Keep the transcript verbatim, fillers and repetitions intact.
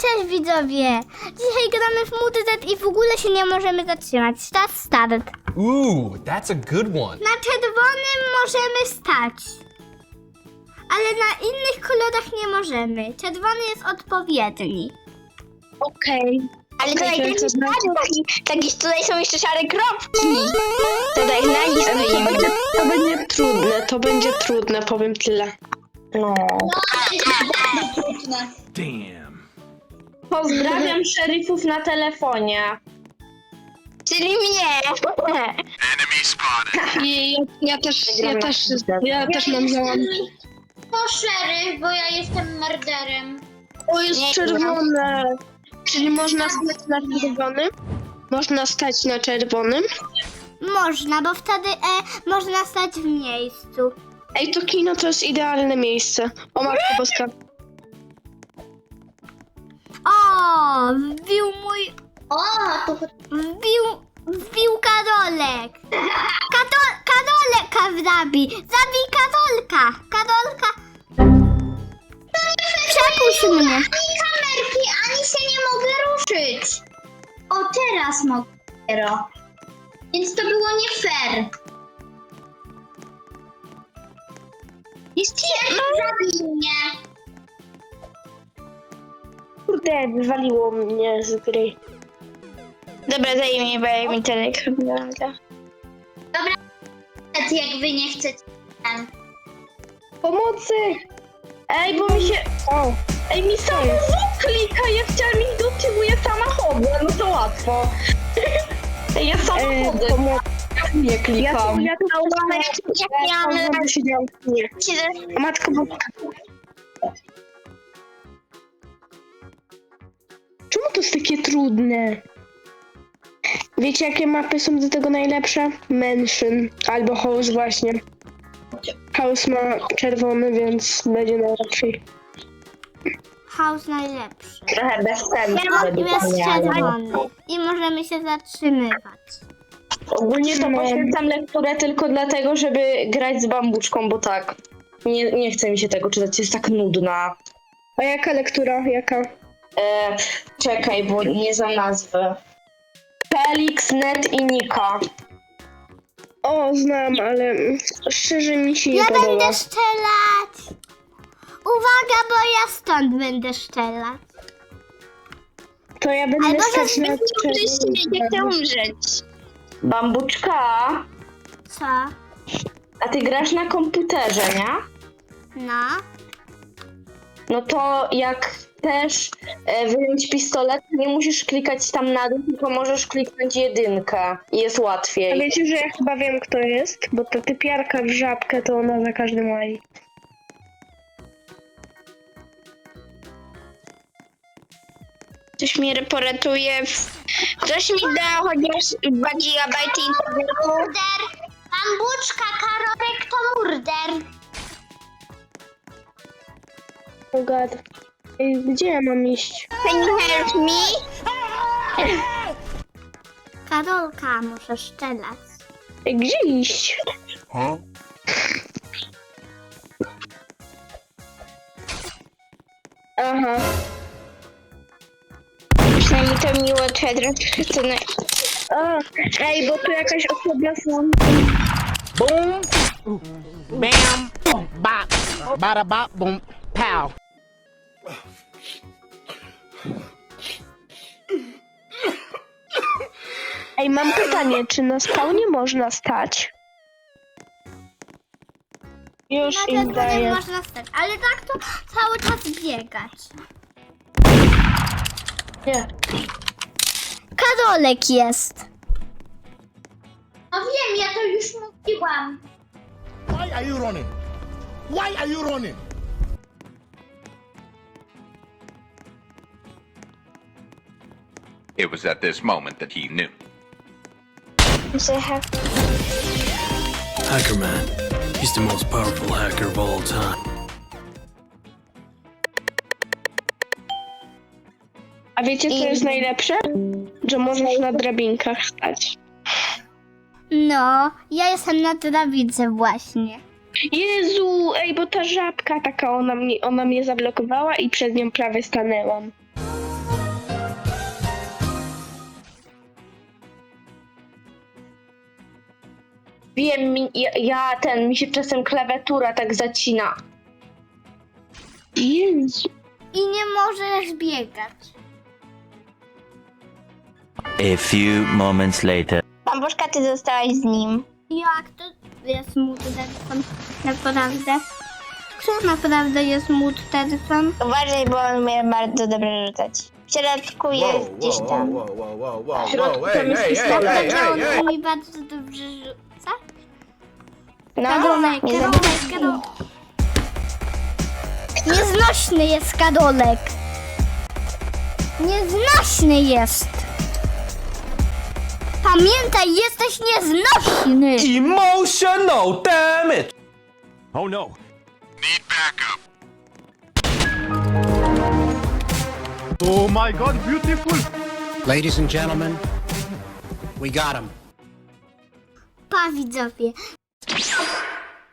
cześć widzowie! Dzisiaj gramy w Muddet i w ogóle się nie możemy zatrzymać. Start, start. Ooh, that's a good one. Na czerwonym możemy stać. Ale na innych kolorach nie możemy. Czerwony jest odpowiedni. Okej. Ale Okej, tutaj, to taki, jest taki, taki, tutaj są jeszcze szare kropki. Tutaj na nich To stoimy. będzie, to będzie trudne, to będzie trudne, powiem tyle. No. Damn. Pozdrawiam szeryfów na telefonie. Czyli mnie. I ja, ja też, ja też, ja też mam załam. To szeryf, bo ja jestem morderem. O, jest Nie, czerwone. Czyli można stać na czerwonym? Można stać na czerwonym? Można, bo wtedy e, można stać w miejscu. Ej, to kino to jest idealne miejsce. O matko boska. O, wbił mój... O, to Wbił... Wbił Karolek. Katol, Karoleka zabi. Zabij Karolka. Karolka. Przepuść mnie. ani kamerki, ani się nie mogę ruszyć. O, teraz mogę dopiero. Więc to było nie fair. Jest szeryf, zabij mnie. Kurde, wywaliło mnie z gry. Dobra, zajmij, bo ja mi telekam. Jak wy nie chcecie. Pomocy! Ej, bo mi się... O! Ej, mi samochód klika, ja chciałam iść do tyłu, ja samochodem, no to łatwo. Ej, ja samochodem. Nie klikam. Ja to Jak miałam lat. Nie. A matko boska. Czemu to jest takie trudne? Wiecie, jakie mapy są do tego najlepsze? Mansion albo House właśnie. House ma czerwony, więc będzie najlepszy. House najlepszy. Trochę bez sensu. No, jest czerwony. I możemy się zatrzymywać. Ogólnie to No. poświęcam lekturę tylko dlatego, żeby grać z bambuczką, bo tak. Nie, nie chce mi się tego czytać, jest tak nudna. A jaka lektura? Jaka? E, czekaj, bo nie znam nazwy. Felix, Net i Nika. O, znam, ale szczerze mi się nie Ja podoba. będę strzelać. Uwaga, bo ja stąd będę strzelać. To ja będę Albo stać na Nie chcę umrzeć. Bambuczka, Co? a ty grasz na komputerze, nie? No. No to jak chcesz e, wyjąć pistolet, nie musisz klikać tam na dół, tylko możesz kliknąć jedynkę i jest A łatwiej. wiecie, że ja chyba wiem, kto jest? Bo ta typiarka w żabkę to ona za każdym łaj. Ktoś mnie poratuje. Ktoś mi da chociaż dwa gigabajty internetu. Murder. Bambuczka, Karolek to murder. Oh god. Ej, gdzie ja mam iść? Can you help me? Karolka, muszę strzelać. Ej, gdzie iść? Huh? Aha. Przynajmniej to mi ułatwia troszkę to na... A, ej, bo tu jakaś osoba są. Boom, bam, bop, bada bop, boom, pow. Ej, mam pytanie, czy na spawnie można stać? Już Na im czerwonym daję. można stać, ale tak to cały czas biegać. Nie. Karolek jest. No wiem, ja to już mówiłam. Why are you running? Why are you running? It was at this moment that he knew. Hacker Man. He's the most powerful hacker of all time. A wiecie, co jest najlepsze? Że możesz na drabinkach stać. No, ja jestem na drabince właśnie. Jezu, ej, bo ta żabka taka, ona mnie, ona mnie zablokowała i przed nią prawie stanęłam. Wiem, mi, ja, ja ten, mi się czasem klawiatura tak zacina. Jezu. I nie możesz biegać. A few moments later. Bambuszka, ty zostałaś z nim. Jak to jest mordercą? Naprawdę? Kto naprawdę jest mordercą? Uważaj, bo on umie bardzo dobrze rzucać. W środku jest gdzieś tam. W środku tam jest pistolet. Naprawdę on umie bardzo dobrze rzuca? No, Kadolek, nie kadolek, zabij. kadolek. Nieznośny jest kadolek. Nieznośny jest. Pamiętaj, jesteś nieznośny. Emotional damage. Oh no. Oh my god, beautiful. Ladies and gentlemen, we got him. Pa widzowie,